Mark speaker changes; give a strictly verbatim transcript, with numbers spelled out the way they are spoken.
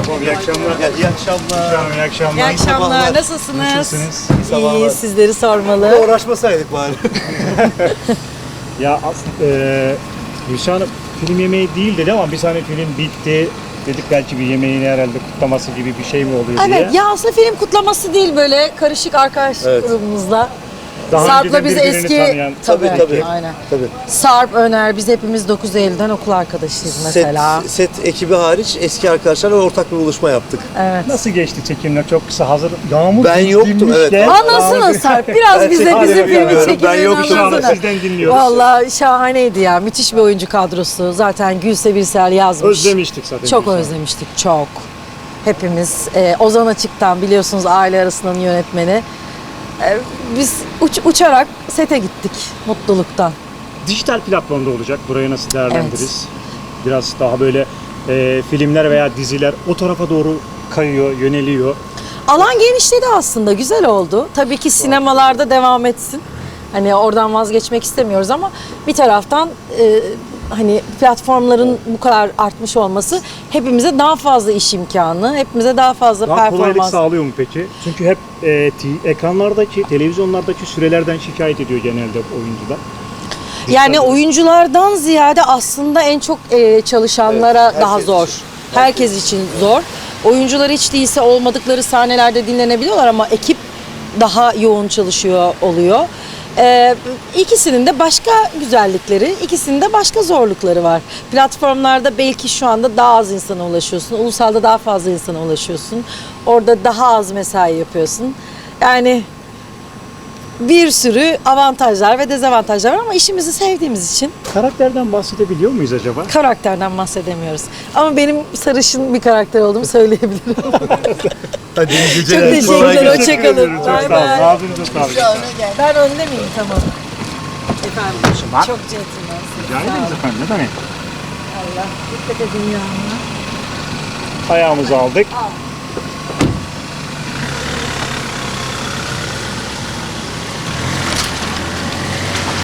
Speaker 1: Tamam, iyi akşamlar.
Speaker 2: Ya, iyi akşamlar.
Speaker 1: Tamam, iyi akşamlar.
Speaker 3: İyi akşamlar.
Speaker 2: sabahlar.
Speaker 3: Nasılsınız?
Speaker 1: Nasılsınız?
Speaker 3: İyi, sizleri sormalı.
Speaker 2: Bir uğraşmasaydık bari.
Speaker 1: Ya aslında e, Gülşah Hanım film yemeği değil dedi ama bir saniye film bitti. Dedik belki bir yemeğini herhalde kutlaması gibi bir şey mi oluyor diye.
Speaker 3: Evet, ya aslında film kutlaması değil, böyle karışık arkadaş
Speaker 2: Evet.
Speaker 3: grubumuzla.
Speaker 1: Daha
Speaker 3: Sarp'la
Speaker 1: önceden
Speaker 3: biz
Speaker 1: birbirini
Speaker 3: eski...
Speaker 1: tanıyan.
Speaker 3: Tabii,
Speaker 2: Tabii, tabii.
Speaker 3: Aynen.
Speaker 2: Tabii.
Speaker 3: Sarp, Öner, biz hepimiz dokuz Eylül'den okul arkadaşıyız mesela.
Speaker 2: Set, set ekibi hariç eski arkadaşlarla ortak bir buluşma yaptık.
Speaker 3: Evet.
Speaker 1: Nasıl geçti çekimler? Çok kısa hazır. Yağmur
Speaker 2: Ben yoktum,
Speaker 1: dinmiş
Speaker 2: evet.
Speaker 1: de-
Speaker 3: Anlatsana Sarp, biraz
Speaker 2: Ben
Speaker 3: bize
Speaker 2: çekim
Speaker 3: bizim filmi
Speaker 2: yapıyorum, ben
Speaker 3: çekimlerini
Speaker 2: yoktum.
Speaker 1: Şu anda
Speaker 3: anlatsana.
Speaker 1: sizden dinliyoruz.
Speaker 3: Vallahi şahaneydi ya, müthiş bir oyuncu kadrosu. Zaten Gülse Birsel yazmış.
Speaker 1: Özlemiştik zaten.
Speaker 3: Çok
Speaker 1: Gülşah.
Speaker 3: özlemiştik, çok. Hepimiz. Ee, Ozan Açık'tan biliyorsunuz aile arasının yönetmeni. Ee, biz uç, uçarak sete gittik mutluluktan.
Speaker 1: Dijital platformda olacak. Burayı nasıl değerlendiririz? Biraz daha böyle e, filmler veya diziler o tarafa doğru kayıyor, yöneliyor.
Speaker 3: Alan genişledi aslında, güzel oldu. Tabii ki sinemalarda devam etsin. Hani oradan vazgeçmek istemiyoruz ama bir taraftan e, hani platformların bu kadar artmış olması hepimize daha fazla iş imkanı, hepimize daha fazla
Speaker 1: Daha kolaylık
Speaker 3: performans.
Speaker 1: sağlıyor mu peki? Çünkü hep e, t- ekranlardaki, televizyonlardaki sürelerden şikayet ediyor genelde oyuncular.
Speaker 3: Yani oyunculardan ziyade aslında en çok e, çalışanlara
Speaker 2: Evet, herkes
Speaker 3: daha zor.
Speaker 2: için.
Speaker 3: Herkes için zor. Oyuncular hiç değilse olmadıkları sahnelerde dinlenebiliyorlar ama ekip daha yoğun çalışıyor oluyor. Ee, ikisinin de başka güzellikleri, ikisinin de başka zorlukları var. Platformlarda belki şu anda daha az insana ulaşıyorsun. Ulusalda daha fazla insana ulaşıyorsun. Orada daha az mesai yapıyorsun. Yani bir sürü avantajlar ve dezavantajlar var ama işimizi sevdiğimiz için
Speaker 1: Karakterden bahsedebiliyor muyuz acaba?
Speaker 3: karakterden bahsedemiyoruz. Ama benim sarışın bir karakter olduğumu söyleyebilirim.
Speaker 2: Hadi iyi
Speaker 3: Çok
Speaker 2: geceler.
Speaker 3: teşekkürler,
Speaker 1: Teşekkür
Speaker 3: hoşçakalın.
Speaker 1: ederim, Çok
Speaker 3: Bay
Speaker 1: sağ olun.
Speaker 3: bay.
Speaker 1: Ağzınıza sağlık.
Speaker 3: Ben önde miyim? Tamam. Efendim,
Speaker 1: Var.
Speaker 3: çok centilmensiniz.
Speaker 1: Rica ederiz efendim. Ne demek?
Speaker 3: Allah, dikkat edin ya.
Speaker 1: Ayağımızı aldık.
Speaker 3: Al.